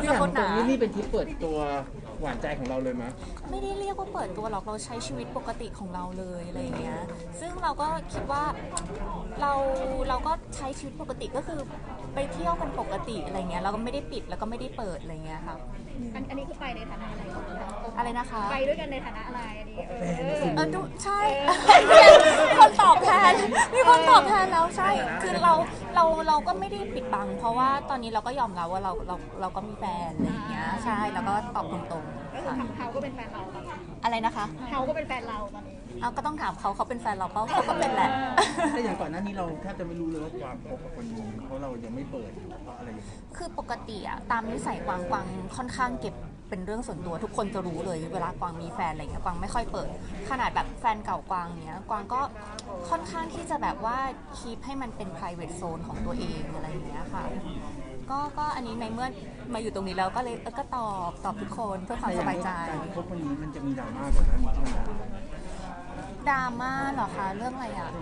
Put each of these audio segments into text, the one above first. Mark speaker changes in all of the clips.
Speaker 1: ขอโทษนะนี่เป็นทริปเปิดตัวหวานใจของเราเลยมั้ย
Speaker 2: ไม่ได้เรียกว่าเปิดตัวหรอกเราใช้ชีวิตปกติของเราเลยอะไรอย่างเงี้ยซึ่งเราก็คิดว่าเราก็ใช้ชีวิตปกติก็คือไปเที่ยวกันปกติอะไรเงี้ยเราก็ไม่ได้ปิดแล้วก็ไม่ได้เปิดอะไรเงี้ยครับ
Speaker 3: อันนี้คือไปในฐานะอะไร
Speaker 2: อะไรนะคะ
Speaker 3: ไปด้วยกันในฐานะอะไรอันนี้
Speaker 2: ใช่มีคนตอบแทนแล้วใช่คือเราก็ไม่ได้ปิดบังเพราะว่าตอนนี้เราก็ยอมรับว่าเราก็มีแฟนอะไรอย่างเงี้ยใช่แล้วก็ตอบตรงๆ
Speaker 3: ก็คือเขาก็เป็นแฟนเรา
Speaker 2: อะไรนะคะ
Speaker 3: เขาก็เป็นแฟนเราตอนนี้
Speaker 2: เอาก็ต้องถามเขาเป็นแฟนเราเปล่าเขาก็เป็นแหละ
Speaker 1: แต่อย่างก่อนหน้านี้เราแทบจะไม่รู้เลยว่ากวางคบกับคนนี้เพราะเรายังไม่เปิดเพราะอะไรอย่างเงี้ย
Speaker 2: คือปกติอะตามนิสัยกวางค่อนข้างเก็บเป็นเรื่องส่วนตัวทุกคนจะรู้เลยเวลากวางมีแฟนอะไรเงี้ยกวางไม่ค่อยเปิดขนาดแบบแฟนเก่ากวางเนี้ยกวางก็ค่อนข้างที่จะแบบว่าคีปให้มันเป็น private zone ของตัวเองอะไรอย่างเงี้ยค่ะก็อันนี้ในเมื่อมาอยู่ตรงนี้แล้วก็เลยก็ตอบทุกคนเพื่อความสบายใจ
Speaker 1: การคบคนนี้มันจะมีดราม่ากว่านั้นใช่ไหม
Speaker 2: ดราม่าเหรอคะเรื่องอะไรอ่ะ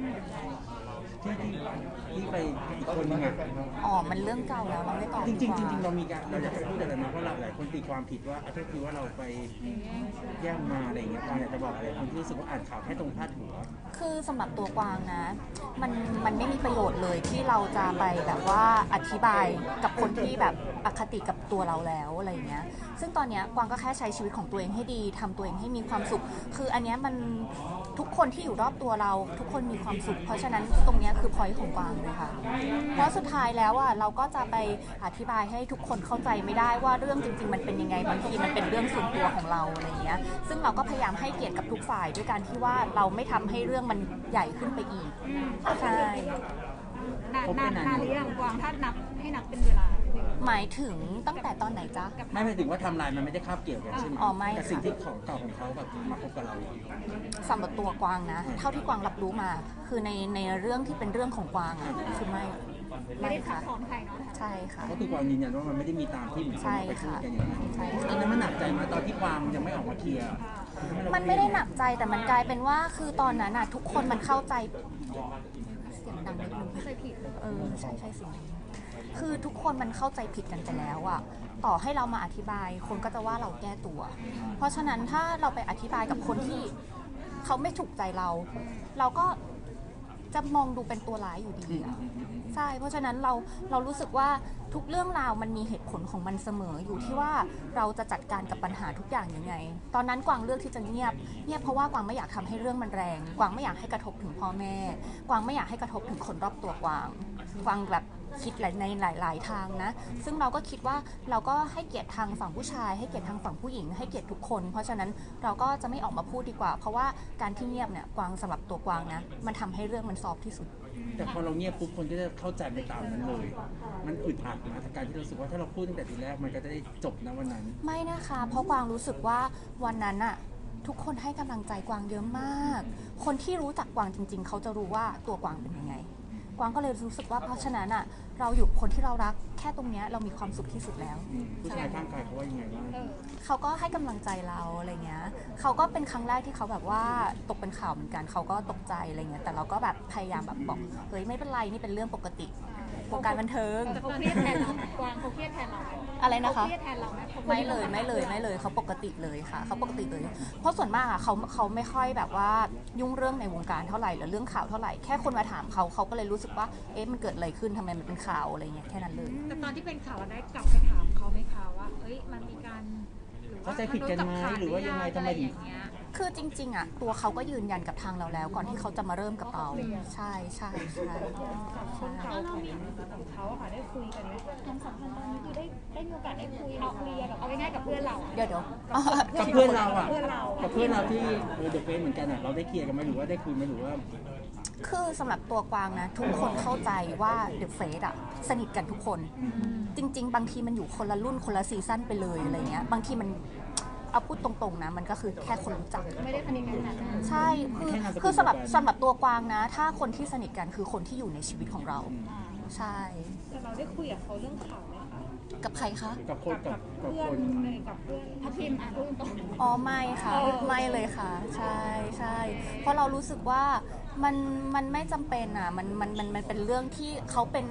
Speaker 1: ที่ไปอีกคนนึงอ่ะ
Speaker 2: มันเรื่องเก่าแล้วเราไม่ตอบ
Speaker 1: จริงเรามีการเราอยากจะพูดอะไรนะเพราะหลายคนตีความผิดว่าก็คือว่าเราไปแย่งมาอะไรอย่างเงี้ยกวางอยากจะบอกอะไรคนที่รู้สึกว่าอ่านข่าวแค่ตรงพาดหัว
Speaker 2: คือสำหรับตัวกวางนะมันไม่มีประโยชน์เลยที่เราจะไปแบบว่าอธิบายกับคนที่แบบอคติกับตัวเราแล้วอะไรอย่างเงี้ยซึ่งตอนเนี้ยกวางก็แค่ใช้ชีวิตของตัวเองให้ดีทำตัวเองให้มีความสุขคืออันเนี้ยมันทุกคนที่อยู่รอบตัวเราทุกคนมีความสุขเพราะฉะนั้นตรงเนี้ยคือพอยต์ของกวางเลยค่ะเพราะสุดท้ายแล้วอ่ะเราก็จะไปอธิบายให้ทุกคนเข้าใจไม่ได้ว่าเรื่องจริงๆมันเป็นยังไงบางทีมันเป็นเรื่องส่วนตัวของเราอะไรเงี้ยซึ่งเราก็พยายามให้เกียรติกับทุกฝ่ายด้วยการที่ว่าเราไม่ทำให้เรื่องมันใหญ่ขึ้นไปอีกใช่
Speaker 3: นานหรือยังกวางถ้านับให้นับเป็นเวลา
Speaker 2: หมายถึงตั้งแต่ตอนไหนจ๊ะ
Speaker 1: ไม่หมายถึงว่าทำลายมันไม่ได้คาบเกี่ยวกันใช่ไหม
Speaker 2: ไม่
Speaker 1: กับสิ่งที่ของเก่าของเขาแบบมาพบกับเรา
Speaker 2: สำหรับตัวกวางนะเท่าที่กวางรับรู้มาคือในเรื่องที่เป็นเรื่องของกวางอ่ะคือไม่
Speaker 3: ได้ค่ะ
Speaker 2: ใช่ค่ะ
Speaker 1: ก็คือกวางยืนยันว่ามันไม่ได้มีตามที่เหมือนคนไปพูดกันอย่างนั้นอันนั้นมันหนักใจมาตอนที่กวางยังไม่ออกมาเคลียร์
Speaker 2: มันไม่ได้หนักใจแต่มันกลายเป็นว่าคือตอนนั้นน่ะทุกคนมันเข้าใจเสียงดังนิดนึง
Speaker 3: เข้าใจผิด
Speaker 2: ใช่เสียงคือทุกคนมันเข้าใจผิดกันไปแล้วอะต่อให้เรามาอธิบายคนก็จะว่าเราแก้ตัวเพราะฉะนั้นถ้าเราไปอธิบายกับคนที่เขาไม่ถูกใจเราก็จะมองดูเป็นตัวร้ายอยู่ดีอะใช่เพราะฉะนั้นเรารู้สึกว่าทุกเรื่องราวมันมีเหตุผลของมันเสมออยู่ที่ว่าเราจะจัดการกับปัญหาทุกอย่างยังไงตอนนั้นกวางเลือกที่จะเงียบเพราะว่ากวางไม่อยากทำให้เรื่องมันแรงกวางไม่อยากให้กระทบถึงพ่อแม่กวางไม่อยากให้กระทบถึงคนรอบตัวกวางแบบคิดในหลายทางนะซึ่งเราก็คิดว่าเราก็ให้เกียรติทางฝั่งผู้ชายให้เกียรติทางฝั่งผู้หญิงให้เกียรติทุกคนเพราะฉะนั้นเราก็จะไม่ออกมาพูดดีกว่าเพราะว่าการที่เงียบเนี่ยกวางสำหรับตัวกวางนะมันทำให้เรื่องมันซอฟที่สุด
Speaker 1: แต่พอเราเงียบปุ๊บคนก็จะเข้าใจไปตามนั้นเลยมันอึดอัดนะการที่เราสึกว่าถ้าเราพูดตั้งแต่ทีแรกมันก็จะได้จบนะวันนั้น
Speaker 2: ไม่นะคะเพราะกวางรู้สึกว่าวันนั้นอะทุกคนให้กำลังใจกวางเยอะมากคนที่รู้จักกวางจริงๆเขาจะรู้ว่าตัวกวางเป็นยังไงกวางก็เลยรู้สึกว่าเพราะฉะนั้นอ่ะเราอยู่คนที่เรารักแค่ตรงนี้เรามีความสุขที่สุดแล้ว
Speaker 1: ผู้ชายข้างกายเขาว่ายังไงบ้าง
Speaker 2: เขาก็ให้กำลังใจเราอะไรเงี้ยเขาก็เป็นครั้งแรกที่เขาแบบว่าตกเป็นข่าวเหมือนกันเขาก็ตกใจอะไรเงี้ยแต่เราก็แบบพยายามแบบบอกเฮ้ยไม่เป็นไรนี่เป็นเรื่องปกติวงการบันเทิง
Speaker 3: แต่เขาเครียดแทนเรากวางเขาเครียดแทนเรา
Speaker 2: อะไรนะคะ
Speaker 3: เครียดแทนเราไหม
Speaker 2: ไม่เลยเขาปกติเลยค่ะเขาปกติเลยเพราะส่วนมากอะเขาไม่ค่อยแบบว่ายุ่งเรื่องในวงการเท่าไหร่หรือเรื่องข่าวเท่าไหร่แค่คนมาถามเขาก็เลยรู้สึกว่ามันเกิดอะไรขึ้นทำไมมันเป็นข่าวอะไรเงี้ยแค่นั้นเลย
Speaker 3: แต่ตอนที่เป็นข่าวได้กลับไปถามเขาไหมคะว่าเฮ้ยมันมีการ
Speaker 1: เข้าใจผิดกันไหมหรือว่ายังไงทำไมถึง
Speaker 2: คือจริงๆอ่ะตัวเขาก็ยืนยันกับทางเราแล้วก่อนที่เขาจะมาเริ่มกับเราใช่
Speaker 3: แล้วเรามีกับเขาค่ะได้คุยกันไหมความสัมพันธ์ตอนนี้คือได้มีโอกาสได้คุยเคลียร์แบบเอาง่ายๆกับเพื่อนเรา
Speaker 2: เดี๋ยว
Speaker 1: กับเพื่อนเราอ่ะกับเพื่อนเราที่เดอะเฟซเหมือนกันอ่ะเราได้เคลียร์กันไหมหรือว่าได้คุยไหมหรือว่า
Speaker 2: คือสำหรับตัวกวางนะทุกคนเข้าใจว่าเดอะเฟซอ่ะสนิทกันทุกคนจริงๆบางทีมันอยู่คนละรุ่นคนละซีซั่นไปเลยอะไรเงี้ยบางทีมันเอาพูดตรงๆนะมันก็คือแค่คนรู้จัก
Speaker 3: ไม่ได้สนิทกัน
Speaker 2: ใช่คือสำหรับตัวกวางนะถ้าคนที่สนิทกันคือคนที่อยู่ในชีวิตของเราใช่
Speaker 3: แต่เราได้คุยกับเขาเรื่องข่าวไหมคะ
Speaker 2: กับใครคะ
Speaker 1: กับคนกับเพื่อน
Speaker 3: ทัพทิมพูดตรง
Speaker 2: ไม่ค่ะไม่เลยค่ะใช่เพราะเรารู้สึกว่ามันไม่จำเป็นอ่ะมันเป็นเรื่องที่เขาเป็น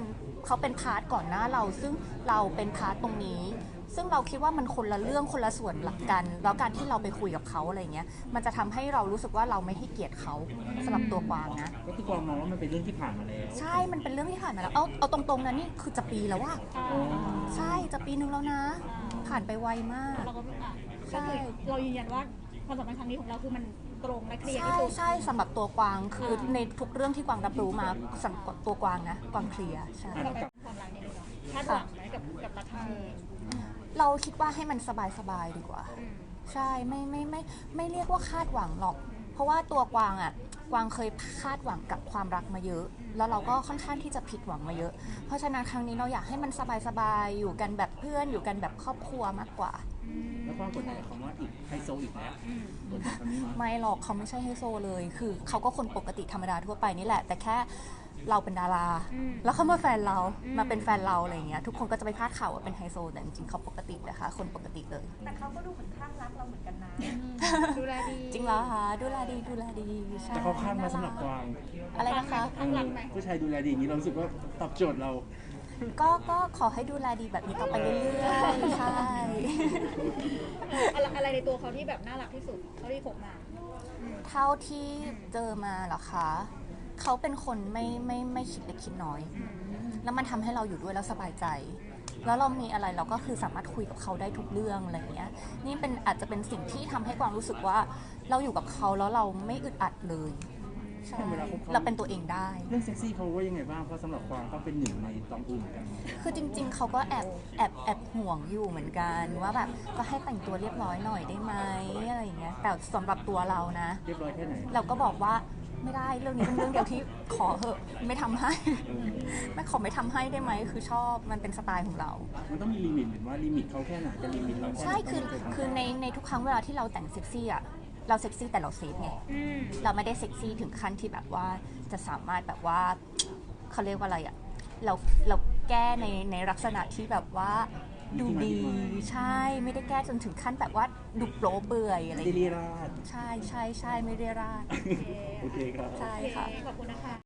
Speaker 2: เขาเป็นพาร์ทก่อนหน้าเราซึ่งเราเป็นพาร์ทตรงนี้ ซึ่งเราคิดว่ามันคนละเรื่องคนละส่วนหลักกันแล้วการที่เราไปคุยกับเขาอะไรเงี้ยมันจะทำให้เรารู้สึกว่าเราไม่ให้เกียรติเขาสำหรับตัวกวางนะ
Speaker 1: ก็คือกวางมองว่ามันเป็นเรื่องที่ผ่านมาแล้ว
Speaker 2: ใช่มันเป็นเรื่องที่ผ่านมาแล้วเอาตรงๆนะนี่คือจะปีแล้วว่า
Speaker 1: อ๋อ
Speaker 2: ใช่จะปีนึงแล้วนะ ผ่านไปไวมาก
Speaker 3: เราก็ก็คือเรายืนยันว่าความสัมพันธ์ครั้งนี้ของเราคือมันตรงและเคลียร์ที่
Speaker 2: ใช่
Speaker 3: สุด
Speaker 2: ใช่สำหรับตัวกวางคือในทุกเรื่องที่กวางรับรู้มาสำหรับตัวกวางนะกวางเคลียร์ใช่
Speaker 3: เราเป็นความรักนี่เลยเนาะคาดหวังไหมกับรักครั้งนี้
Speaker 2: เราคิดว่าให้มันสบายๆดีกว่า ใช่ไม่เรียกว่าคาดหวังหรอก เพราะว่าตัวกวางอ่ะกวางเคยคาดหวังกับความรักมาเยอะ แล้วเราก็ค่อนข้างที่จะผิดหวังมาเยอะ เพราะฉะนั้นครั้งนี้เราอยากให้มันสบายๆอยู่กันแบบเพื่อนอยู่กันแบบครอบครัวมากกว่า
Speaker 1: แล้วความกดดันคำว่าอีกไฮโซอีกแล้วกดดันคำนี้มั้ย
Speaker 2: ไม่หรอกเขาไม่ใช่ไฮโซเลย คือเขาก็คนปกติธรรมดาทั่วไปนี่แหละ แต่แค่เราเป็นดารา แล้วเขามาแฟนเรามาเป็นแฟนเราอะไรอย่างเงี้ยทุกคนก็จะไปพาดข่าวว่าเป็นไฮโซแต่จริงๆเขาปกตินะคะคนปกติเลย
Speaker 4: แต่เขาก็ดูเหมือนข้างรักเราเหมือนกันนะ
Speaker 3: ดูแลดี
Speaker 2: จริงแล้วคะดูแลดีใช่
Speaker 1: แต่เขาข้ามมาสำหรับกวาง
Speaker 2: อะไรนะคะ
Speaker 3: ข้างรักไหม
Speaker 1: ผู้ชายดูแลดีอย่างนี้เรารู้สึกว่าตอบโจทย์เรา
Speaker 2: ก็ขอให้ดูแลดีแบบนี้ต่อไปเรื่อยๆใช่
Speaker 3: อะไรในตัวเขาที่แบบน่ารักที่สุดเท่าที่คบมา
Speaker 2: เท่าที่เจอมาเหรอคะเขาเป็นคนไม่คิดเล็กคิดน้อย แล้วมันทำให้เราอยู่ด้วยแล้วสบายใจ แล้วเรามีอะไรเราก็คือสามารถคุยกับเขาได้ทุกเรื่องอะไรอย่างเงี้ยนี่เป็นอาจจะเป็นสิ่งที่ทำให้กวางรู้สึกว่าเราอยู่กับเขาแล้วเราไม่อึดอัดเลยใช่
Speaker 1: เวลาคบเขา
Speaker 2: เราเป็นตัวเองได้
Speaker 1: เรื่องเซ็กซี่เขาว่ายังไงบ้างเพราะสำหรับกวางเขาเป็นหนึ่งในตองอูเหมือนกัน
Speaker 2: คือจริงๆ เขาก็แอบห่วงอยู่เหมือนกันว่าแบบก็ให้แต่งตัวเรียบร้อยหน่อยได้ไหมอะไรอย่างเงี้ยแต่สำหรับตัวเรานะ
Speaker 1: เรียบร้อยแค่ไหน
Speaker 2: เราก็บอกว่าไม่ได้เรื่องนี้เป็นเรื่องเดียวที่ขอเหอะไม่ทำให้ ไม่ขอไม่ทำให้ได้ไหมคือชอบมันเป็นสไตล์ของเรา
Speaker 1: มันต้องมีลิมิตหรือว่าลิมิตเขาแค่ไหนจะลิมิตเราแค่ไหน
Speaker 2: ใช่คือในทุกครั้งเวลาที่เราแต่งเซ็กซี่อะเราเซ็กซี่แต่เราเซฟไงเราไม่ได้เซ็กซี่ถึงขั้นที่แบบว่าจะสามารถแบบว่าเขาเรียกว่าอะไรอะเราแก้ในลักษณะที่แบบว่าดูดีใช่ไม่ได้แก้จนถึงขั้นแบบว่าดูโป๊เปื่อยอะไรอย่าง
Speaker 1: ไม่ได้
Speaker 2: เงี้ย
Speaker 1: ราด
Speaker 2: ใช่ไม่เรียราด
Speaker 1: โอเคครับ
Speaker 2: ใช่
Speaker 3: โอเค
Speaker 2: ค่ะ
Speaker 3: ขอบคุณนะคะ